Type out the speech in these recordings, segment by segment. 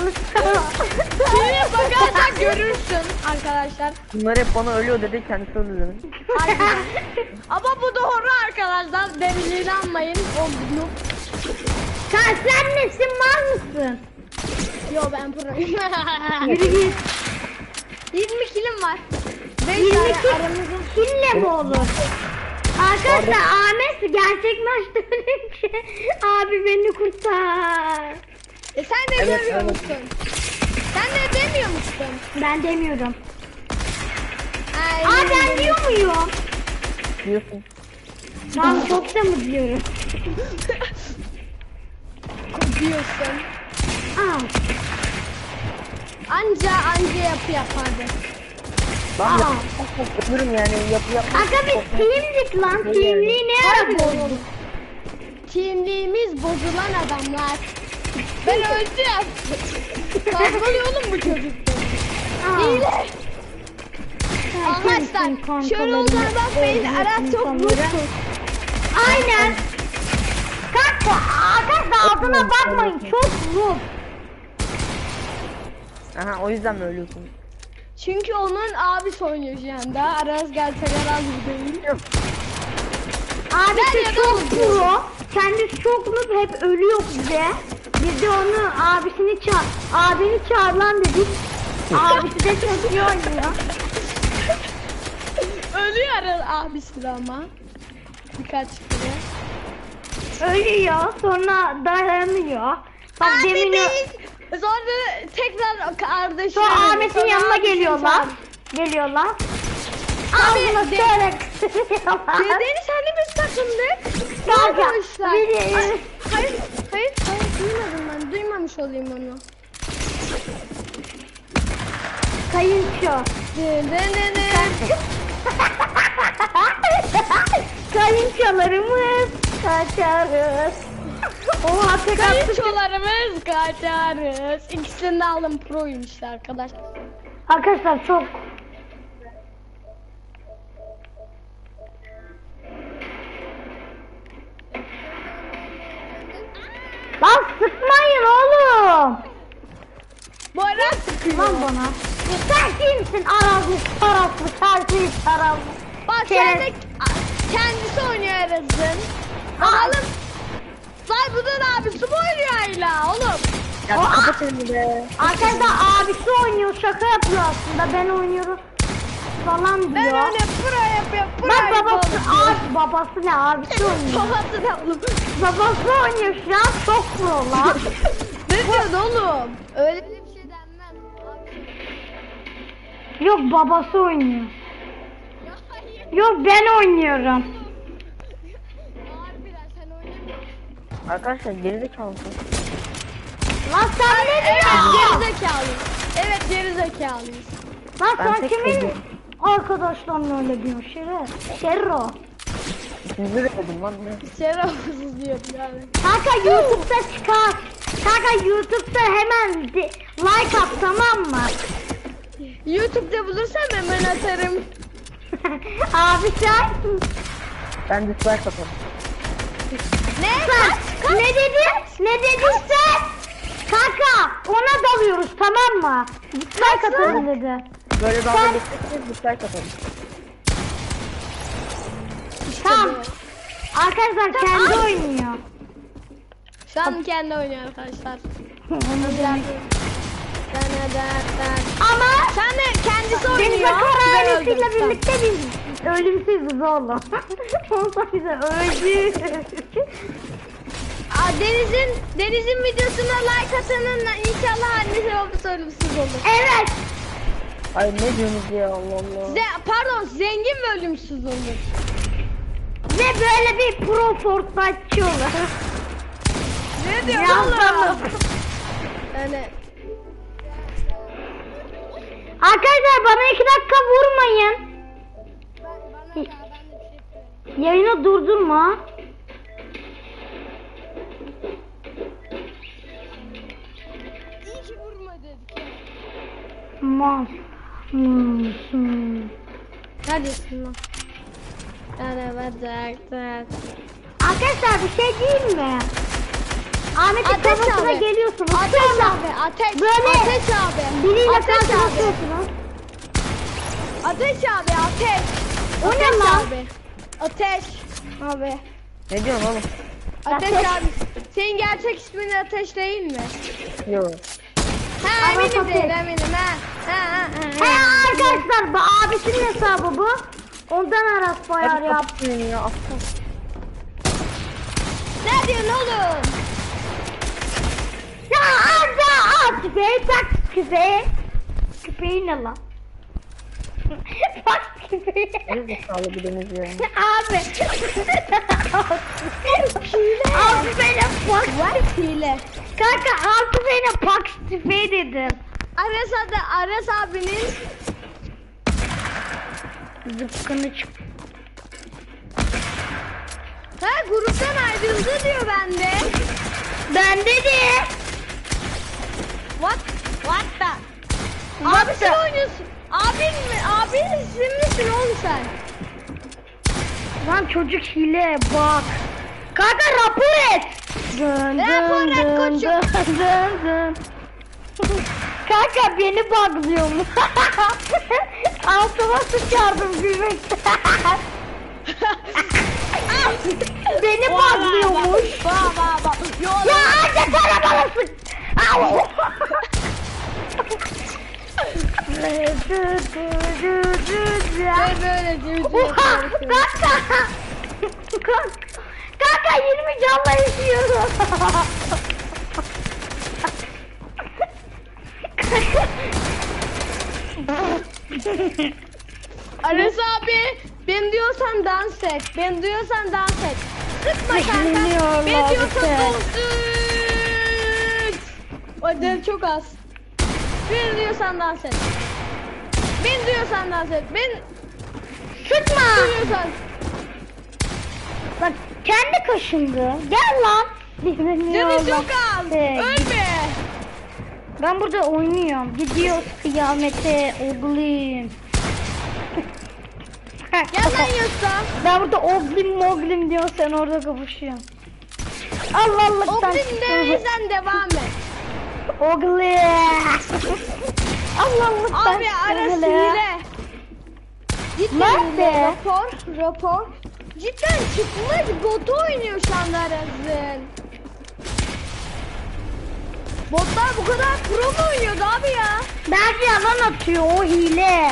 Şuraya bakarsan görürsün arkadaşlar. Bunlar hep bana ölüyor dedi, kendisi öldü dedi. Harbiden. Ama bu doğru arkadaşlar. Beni inanmayın. O bunu. Sen nesin, mal mısın? Yo ben proyum. Yürü git. 20 kilim var. 20 kille mi olur? Arkadaşlar Ahmet gerçek maçta ölünce abi beni kurtar. Sen de Evet, görüyor evet. musun? Sen de demiyor musun? Ben demiyorum. Ay, Aa ben diyor muyum? Diyorsun. Ben çok da mı diyorum? diyorsun. Aa. Anca yapı yapardı. Ben Aa. yapıyorum yani, yapı. Aga biz teamdik lan. Teamliği ne ara bozduk? Kimliğimiz bozulan adamlar. Ben öldüm. Kavgalıyor oğlum bu çocukta. İyi. Arkadaşlar şöyle olduğuna bakmayın. Aras çok mutlu. Aynen. Kanka arkadaşlar adına bakmayın, çok zor. Aha, o yüzden mi ölüyorsun? Çünkü onun abisi oynuyor şu anda. Aras gerçek Aras gibi değil. Abisi Nerede çok oldu? pro. Kendisi çok noob, hep ölüyor bize. Biz de onu abisini abini çağır lan dedik. Abisi de çok iyi oynuyor. Ölüyor Aras abisi de ama. Birkaç kere. Ölüyor, sonra dayanıyor. Bak Abi demin değil. Sonra tekrar kardeşim. sonra Ahmet'in yanına geliyorlar. Geliyorlar. Ağzına şöyle kısırıyorlar. Dedeni sen de biz takımdık. Kanka, Arkadaşlar. biri- Hayır duymadım ben. Duymamış olayım onu. Kayınço. Kayınçolarımız kaçarız. Oha tek attı. Kayınçolarımız kaçarız. İkisini de aldım proyum işte arkadaşlar. Arkadaşlar çok. Lan sıkmayın oğlum. Bu ara sıkıyor. Lan bana. Sen kimsin? Arazlı, taraflı, çarpıyı taraflı. Bak sen de kendisi oynuyor Eras'ın. Bakalım. Say bunun abisi mi oynuyor hala oğlum? Ya kapat elini be. Arkadaşlar abisi oynuyor, şaka yapıyor aslında, ben oynuyorum falan diyor. Ben öyle pro yapıyorum. Pro Bak babası, yapıyorum. babası ne, abisi oynuyor. Babası da oğlum. Babası oynuyor şu an, çok pro lan. Ne diyorsun oğlum? Öyle bir şey denmez. Yok babası oynuyor. Ya hayır. Yok ben oynuyorum. Harbiden sen oynamıyorsun. Arkadaşlar gerizekalısın. Lan sen ne Evet diyorsun? gerizekalıyız. Evet gerizekalıyız. Lan Ben sen tek kimin söylüyorum. arkadaşlarla öyle diyorsun Şerro? İkinizi de dedim lan ne? Şerefsiz diyor yani. Kanka YouTube'da çıkar. Kanka YouTube'da hemen like at, tamam mı? YouTube'da bulursam hemen atarım. Abi sen Ben dislike atarım. Ne? ne dedin? Ne dedin sen? Kanka ona dalıyoruz, tamam mı? Like atalım dedi. Böyle dalga Sen- geçeceksiniz, dislike atarım. Tamam. Arkadaşlar kendi oynuyor. Şu an kendi oynuyor arkadaşlar. Ama Sen de kendisi oynuyor. Deniz Akar ailesiyle Güzel oldu. birlikte biz ölümsüzüz oğlum. Ondan bize öldü. Deniz'in videosuna like atanın inşallah annesi babası ölümsüz olur. Evet. Ay ne diyorsunuz ya, Allah Allah. Pardon zengin ve ölümsüz olur. Ve böyle bir pro Fortnite'çı olur. Ne diyor Yazdım. oğlum? Yani Arkadaşlar bana 2 dakika vurmayın. Yayını durdurma. iyi ki vurma dedik. Mas. Neredesin lan? Yani bacak. Arkadaşlar bir şey diyeyim mi? Ahmet'in Ateş kafasına abi. geliyorsunuz. Ateş Sonra abi. Ateş. Böyle Ateş abi. biriyle Ateş abi. karşılaşıyorsunuz. Ateş abi. Ateş. O ne Ateş lan? abi. Ateş. Abi. Ne diyorsun oğlum? Ateş Ateş. abi. Senin gerçek ismin Ateş değil mi? Yok. Ha Aras eminim Ateş. değil eminim ha. Ha. He arkadaşlar bu abisinin hesabı bu. Ondan Aras bayar Hadi yap. kapatın ya. Aptal. Ne diyorsun oğlum? Ya amca at küpeyi tak küpeyi. Küpeyi ne lan? Bak küpeyi. Ne zekalı biriniz ya. Abi. Altı benim bak. Var hile. Kanka altı benim bak küpeyi dedim. Aras abinin Zıpkını çık. ha gruptan ayrıldı diyor bende. Bende de. What the? Abi sen oynuyorsun. Abin mi? Abin misin oğlum sen? Lan çocuk hile bak. Kanka rapor et. Dön Rapor et koçum. dön. Kanka beni buglıyormuş. Altıma sıçardım gülmekten. Beni buglıyormuş. Bak. Ya anca sana bana sık. Au. Böyle diyor. Oha! Kanka! Kanka 20 canla yaşıyorum. Aras abi ben diyorsan dans et. Ben diyorsan dans et. Sıkma kanka. Bilmiyorum Ben diyorsan işte. dans et. O del çok az. Ben diyorsan dans et. Ben diyorsan dans et. Ben Sıkma. diyorsan. Bak kendi kaşındı. Gel lan. Canı çok az. Ölme. Ben burada oynuyorum. Gidiyoruz kıyamete oğlum. Gel lan Yusuf. Ben burada oglim diyor sen orada kapışıyorsun. Allah'lıktan. Oblim demeysen devam et. Oglim. Allah'lıktan. Abi Aras hile. Cidden Nerede? hile. Rapor. Cidden çıkmış botu oynuyor şu anda Aras'ın. Botlar bu kadar pro mu oynuyordu abi ya? Belki yalan atıyor o hile.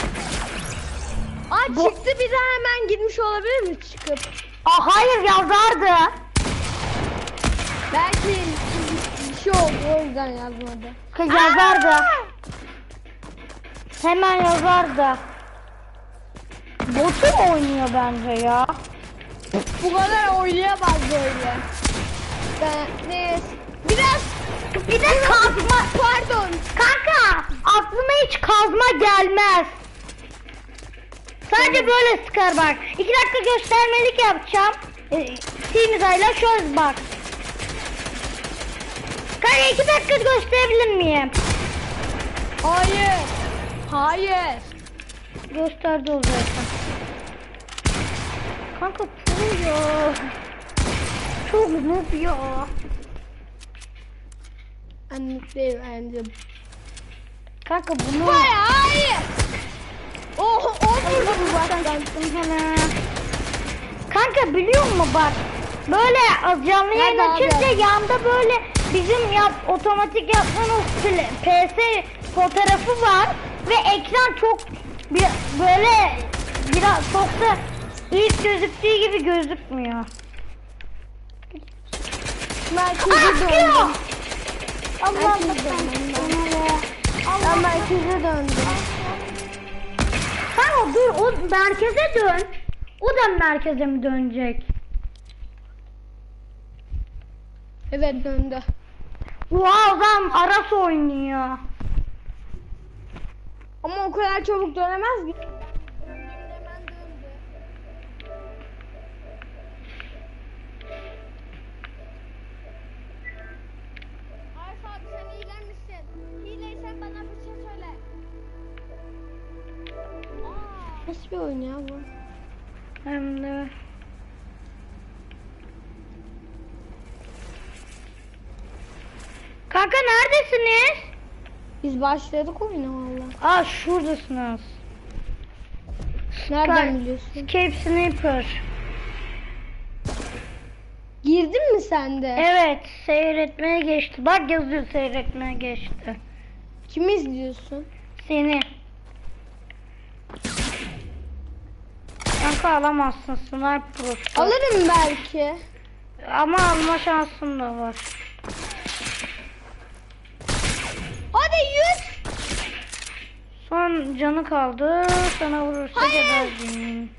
Aa çıktı bir daha hemen gitmiş olabilir mi çıkıp? Hayır yazardı. Belki bir şey oldu o yüzden yazmadı. Kız yazardı. Hemen yazardı. Botu mu oynuyor bence ya? Bu kadar oynayamaz böyle. Neyse. Biraz Bir de kazma. pardon. Kanka aklıma hiç kazma gelmez. Sadece böyle sıkar bak. 2 dakika göstermelik yapacağım. Timizayla şöyle bak. Kanka 2 dakika gösterebilir miyim? Hayır. Gösterdi o zaten. Kanka pro ya. Çok noob ya. Anlıklayım bence. Kanka bunu... Hayır. Oh vurdu bu baştan. Kanka biliyor musun bak. Böyle canlı yayın Nerede abi? açınca yanda böyle bizim otomatik yaptığımız PS fotoğrafı var. Ve ekran çok böyle biraz çok da ilk gözüktüğü gibi gözükmüyor. Merkeze döndüm. Allah'ım Ben merkeze döndüm. Kanka dur o merkeze dön. O da merkeze mi dönecek? Evet döndü. Oha o zaman Aras oynuyor. Ama o kadar çabuk dönemez ki. Aras abi sen iyilenmişsin. İyileysen bana bir şey söyle. Nasıl bir oyun ya bu? Hem de Kanka neredesiniz? Biz başladık oyuna valla. Aa şuradasınız. Nereden biliyorsun? Escape Sniper. Girdin mi sen de? Evet, seyretmeye geçti. Bak yazıyor, seyretmeye geçti. Kimi izliyorsun? Seni. Kanka alamazsın, Sniper Pro'su. Alırım belki. Ama alma şansın da var. Hadi 100. Son canı kaldı. Sana vurursa Hayır. geberdim.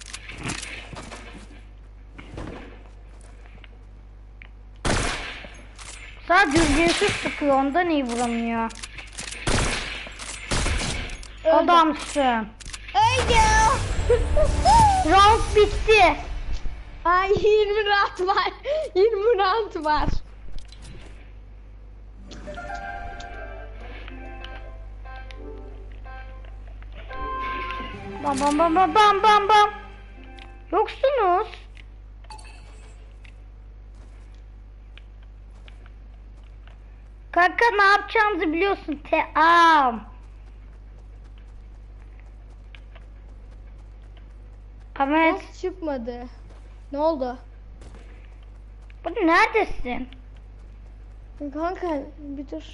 Sadece düzgünsüz sıkıyor, ondan iyi vuramıyor. Öldü. Adamsın. Öldü. Round bitti. Ay 20 round var. 20 round var. Bam bam bam bam bam bam bam. Yoksunuz. Kanka ne yapacağımızı biliyorsun. Ahmet, Nasıl çıkmadı? Ne oldu? bu neredesin? Kanka bir dur.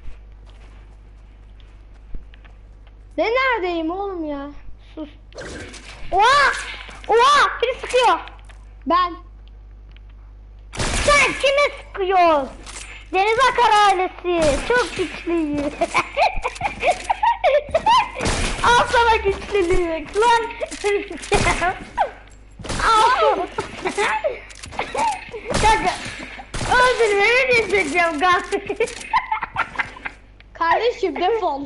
Ne neredeyim oğlum ya? Sus. Oha! Oha! Biri sıkıyor. Ben. Sen kime sıkıyorsun? Deniz Akar ailesi. Çok güçlüyüz. Al sana güçlülük. Lan. Al. Kanka. Öldürmemi diyeceğim galiba. Kardeşim defol.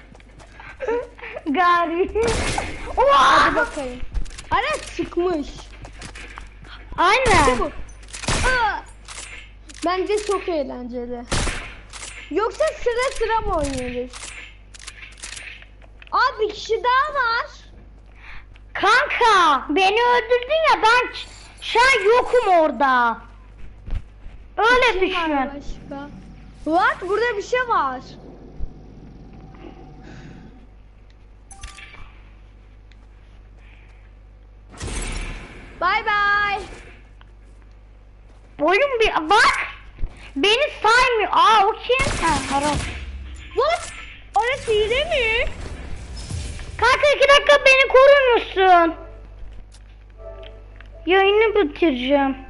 Gari. Hadi Oha! bakayım. Ara çıkmış. Aynen. Bu. Aa! Bence çok eğlenceli. Yoksa sıra sıra mı oynuyoruz? Aa bir kişi daha var. Kanka beni öldürdün ya, ben şu an yokum orada. Öyle Kim var düşün. başka? What? Burada bir şey var. Bye bye. Oyun bir bak. Beni saymıyor. Aa o kim? Ha, Haram. What? Orası hile mi? Kanka 2 dakika beni korur musun? Yayını bitireceğim.